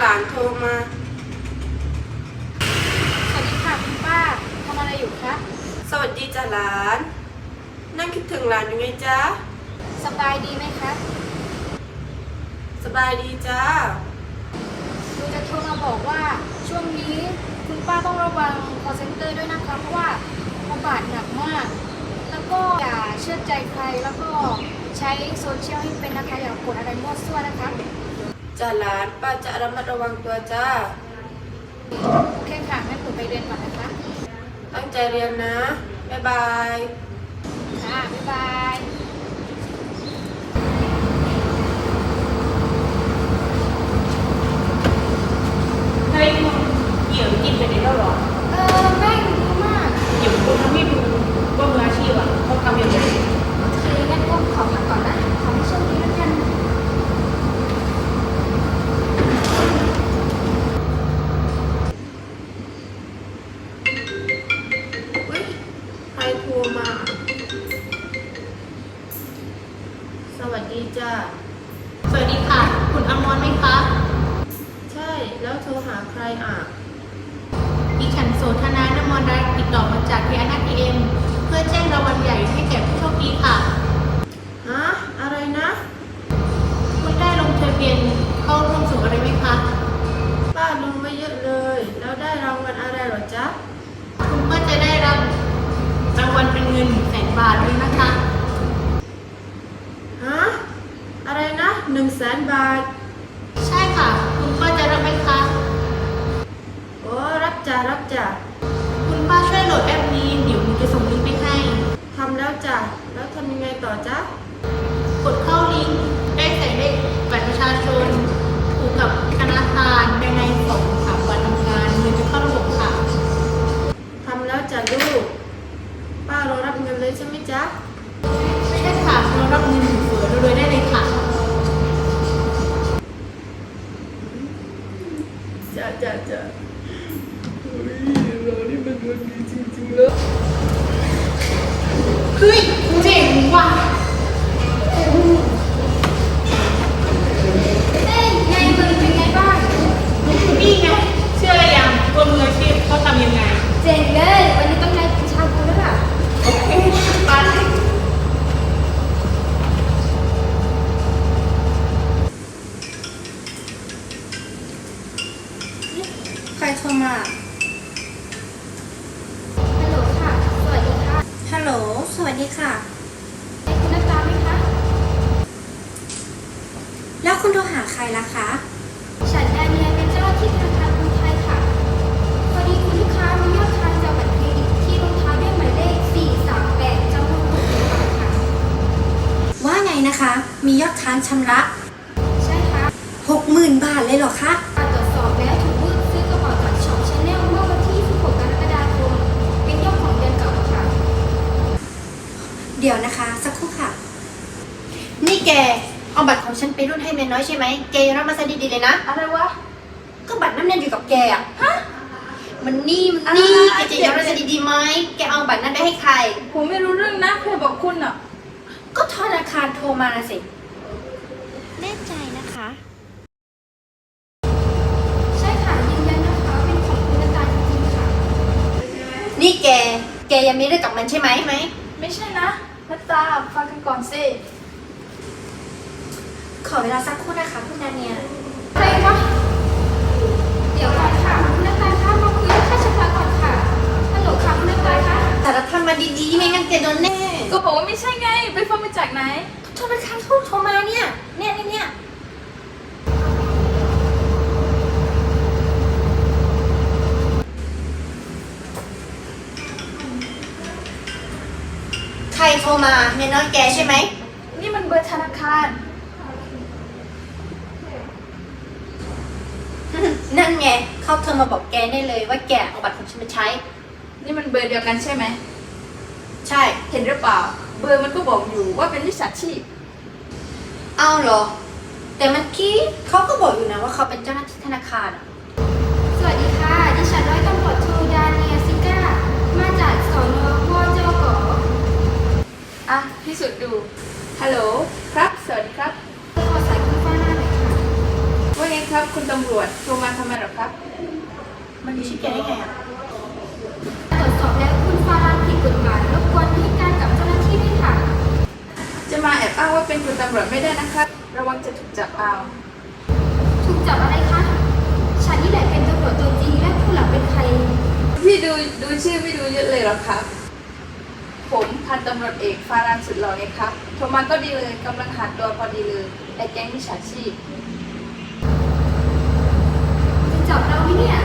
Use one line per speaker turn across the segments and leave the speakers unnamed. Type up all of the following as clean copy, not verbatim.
านโทรมา
สวัสดีค่ะคุณป้าทำอะไรอยู่คะ
สวัสดีจ้ะหลาน นั่งคิดถึงหลานอยู่ไงจ๊ะ
สบายดีไหมคะ
สบายดีจ้า
หนูจะโทรมาบอกว่าช่วงนี้คุณป้าต้องระวัง call center ด้วยนะคะเพราะว่าระบาดหนักมาก แล้วก็อย่าเชื่อใจใครแล้วก็ใช้โซเชียลให้เป็นนะคะอย่ากดอะไรมั่วซั่วนะคะ
จ้ะหลานป้าจะระมัดระวังตัวจ้า
โอเคค่ะงั้นหนูไปเรียนก่อนนะคะ
ตั้งใจเรียนนะ บ๊ายบาย
ค่ะบ๊ายบาย
เฮ้ยมึงเหี่ยวกินไปได้แล้วเหรอ
แม่งดีมาก
เดี๋ยวคุณทำให้ดูว่ามืออาชีพอ่ะเขาทำยังไง
โอเคงั้นก็ขอพักก่อนนะขอให้โชคดีแล้วกัน
อุ๊ยใครโทรมา สวัสดีจ้า
สวัสดีค่ะ คุณอมรไหมคะ
ใช่ แล้วโทรหาใครอ่ะ
ดิฉันโสธนานมรรัตน์ติดต่อมาจากพีอาร์ทีเอ็มเพื่อแจ้งรางวัลใหญ่ให้แก่ผู้โชคดีค่ะ
ฮะ อะไรนะ
คุณได้ลงทะเบียนเข้าร่วมสู่อะไรไหมคะ
ป้าลงไว้เยอะเลย แล้วได้รางวัลอะไรเหรอจ๊ะ
คุณก็จะได้รับรางวัลเป็นเงิน100,000 บาทด้วยนะคะ
ฮะ อะไรนะ100,000 บาท
ใช่ค่ะ คุณป้าจะรับไหมคะ
โอ้รับจ้ะรับจ้ะ
คุณป้าช่วยโหลดแอปนี้เดี๋ยวหนูจะส่งลิงก์ไปให้
ทำแล้วจ้ะ แล้วทำยังไงต่อจ๊ะ
กดเข้าลิงก์ได้ใส่เลขบัตรประชาชนผูกกับธนาคารภายใน2-3 วันทำงานเงินจะเข้าระบบค่ะ
ทำแล้วจ้ะลูก ป้ารอรับเงินเลยใช่ไหมจ๊ะ
ใช่ค่ะเรารับเงินเฟือรวยๆได้เลยค่ะ
จ้ะจ้ะจ้ะเฮ้ยเรานี่มันดวงดีจริงๆเลย
เฮ้ยเจ๋งว่ะ
เฮ้ยไงมึงเป็นไงบ้าง
นี่ไงเชื่ออะไรยังตัวมืออาชีพเขาทำยังไง
เจ๋งเลย วันนี้ต้องได้กินชาบูแล้วล่ะ
โอเคไป
ใครโทรมา
ฮัลโหลค่ะ สวัสดีค่ะ
ฮัลโหล สวัสดีค่ะ
ให้คุณนักตาไหมคะ
แล้วคุณโทรหาใครล่ะคะ
ฉันดาเนียเป็นเจ้าหน้าที่ธนาคารกรุงไทยค่ะ พอดีคุณลูกค้ามียอดค้างจากบัตรเครดิตที่ลงท้ายด้วยหมายเลข 438จำนวน60 บาทค่ะ
ว่าไงนะคะ มียอดค้างชำระ
ใช่ค่ะ
60,000 บาทเลยเหรอคะ
การตรวจสอบแล้วถูกรูดซื้อกระเป๋าจากช็อปชาแนลเมื่อวันที่ 16 กรกฎาคม เป็นยอดของเดือนเก่าค่ะ
เดี๋ยวนะคะ สักครู่ค่ะ นี่แก เอาบัตรของฉันไปรุ่นให้เมียน้อยใช่ไหม แกยังรับมาซะดีๆเลยนะ
อะไรวะ
ก็บัตรนั้นเนี่ยอยู่กับแกอะฮะ มันนี่แกจะยังรับมาซะดีๆไหม แกเอาบัตรนั้นไปให้ใคร
ผมไม่รู้เรื่องนะใครบอกคุณอ่ะ
ก็ธนาคารโทรมาสิ
แน่ใจนะคะ
ใช่ค่ะยืนยันนะคะเป็นของคุณนักตาจริงๆค่ะ
นี่แกยังมีเรื่องกับมันใช่ไหม
ไม่ใช่นะนักตาฟังกันก่อนสิ
ขอเวลาสักครู่นะคะคุณนาเนีย
ใครวะเดี๋ยวก่อนค่ะคุณนักตาคะมาคุยเรื่องค่าชำระก่อนค่ะฮัลโหลค่ะคุณนักตาคะ
แต่ละทำมาดีๆ ไม่งั้นแกโดนแน่
ก็บอกว่าไม่ใช่ไง ไปฟังมาจากไหน
ธนาคารเขาโทรมาเนี่ย เนี่ย ใครโทรมาเมียน้อยแกใช่ไหม
นี่มันเบอร์ธนาคาร
นั่นไงเขาโทรมาบอกแกได้เลยว่าแกเอาบัตรของฉันมาใช้
นี่มันเบอร์เดียวกันใช่ไหม
ใช่
เห็นหรือเปล่า เบอร์มันก็บอกอยู่ว่าเป็นมิจฉาชีพ
เอาเหรอ แต่เมื่อกี้เขาก็บอกอยู่นะว่าเขาเป็นเจ้าหน้าที่ธนาคารอะ
สวัสดีค่ะ ดิฉันร้อยตำรวจโทดาเนียซิก้า มาจากสนวจก.อ่ะพิสูจน์ดู ฮัลโหล ครับ สวัสดีครับขอสายคุณฟ้าหน้าหน่อยค่ะ ว่าไงครับ
ครับคุณตำรวจโทรมาทำไมหรอครับ
มันมีชื่อแกได้ไงอ่ะ
ตรวจสอบแล้วคุณฟารันผิดกฎหมายรบกวนให้การกับเจ้าหน้าที่ด้วยค่ะ
จะมาแอบอ้างว่าเป็นคุณตำรวจไม่ได้นะครับ ระวังจะถูกจับเอา
ถูกจับอะไรคะ ฉันนี่แหละเป็นตำรวจตัวจริงและผู้หลังเป็นใคร
พี่ดูชื่อไม่ดูเยอะเลยหรอครับ ผมพันตำรวจเอกฟารันสุดหล่อไงครับโทรมาก็ดีเลยกำลังหาตัวพอดีเลยไอ้แก๊งมิจฉาชีพ
จะจับเราไหมเนี่ย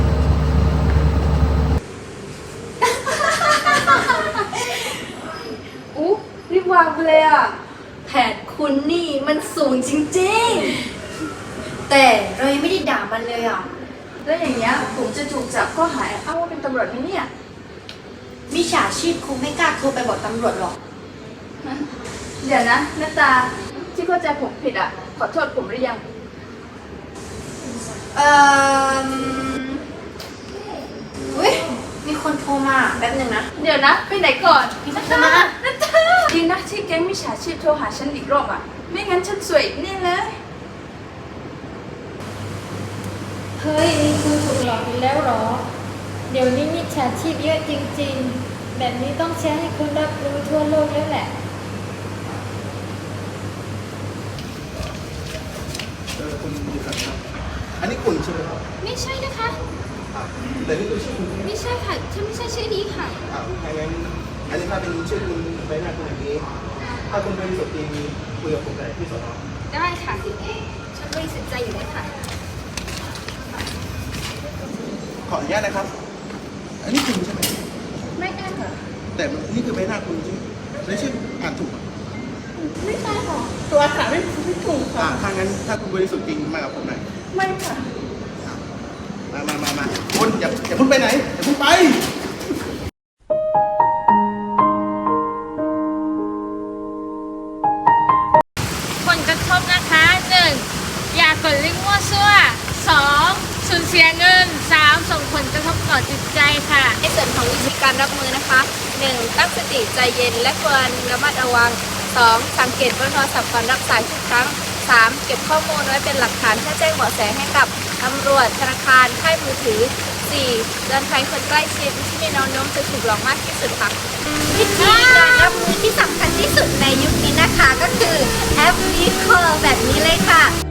อุ๊รีบวางไปเลยอ่ะ
แผนคุณนี่มันสูงจริงๆ แต่เรายังไม่ได้ด่ามันเลยอ่ะ
แล้วอย่างเงี้ยผมจะถูกจับข้อหาแอบอ้างว่าเป็นตำรวจไหมเนี่ย
มิจฉาชีพคงไม่กล้าโทรไปบอกตำรวจหรอก
เดี๋ยวนะหน้าตาที่เข้าใจผมผิดอ่ะ ขอโทษผมหรือยัง
อุ้ยมีคนโทรมาแป๊บหนึ่งนะ
เดี๋ยวนะไปไหนก่อน
มีคนโทรมา
นาตาดีนะที่แก๊งมิจฉาชีพโทรหาฉันอีกรอบอ่ะ ไม่งั้นฉันสวยอีกแน่เลย
เฮ้ยนี่คุณถูกหลอกอีกแล้วเหรอ เดี๋ยวนี้มิจฉาชีพเยอะจริงๆ แบบนี้ต้องแชร์ให้คุณรับรู้ทั่วโลกแล้วแหละ
คุณมีครับอันนี้คุณใช่ไหมครับ
ไม่ใช่นะคะ
แต่นี่คือชื่อคุณ
ไม่ใช่ค่ะ ฉันไม่ใช่ชื่อนี้ค่ะ
ถ้างั้นอันนี้ถ้าเป็นชื่อคุณใบหน้าคุณอย่างนี้ ถ้าคุณบริสุทธิ์จริงคุยกับผมได้ที่สอนอ
ได้ค่ะ ฉันบริสุทธิ์ใจอยู่แล้วค่ะ
ขออนุญาตนะครับ อันนี้คุณใช่ไหม
ไม่ได้ค่ะ
แต่นี่คือใบหน้าคุณใช่ไหมและชื่ออ่านถูกไหม
ไม่ใช่ค่ะ
ตัวอาหารไม่ถูกค่ะ
ถ้างั้นถ้าคุณบริสุทธิ์จริงมากับผมหน่อย
ไม่ค่ะ
มาคุณอย่าเพิ่งไปไหนอย่าเพิ่งไป
ผลกระทบนะคะ 1. อย่ากดลิงก์มั่วซั่ว 2. สูญเสียเงิน 3. ส่งผลกระทบต่อจิตใจค่ะ
ในส่วนของวิธีการรับมือนะคะ 1. ตั้งสติใจเย็นและควรระมัดระวัง 2. สังเกตว่าโทรศัพท์ก่อนรับสายทุกครั้ง 3. เก็บข้อมูลไว้เป็นหลักฐานเพื่อแจ้งเบาะแสให้กับตำรวจธนาคารค่ายมือถือ 4. เตือนภัยคนใกล้ชิดที่มีแนวโน้มจะถูกหลอกมากที่สุดค่ะ
วิธีการรับมือที่สำคัญที่สุดในยุคนี้นะคะก็คือแอปวิดีโอแบบนี้เลยค่ะ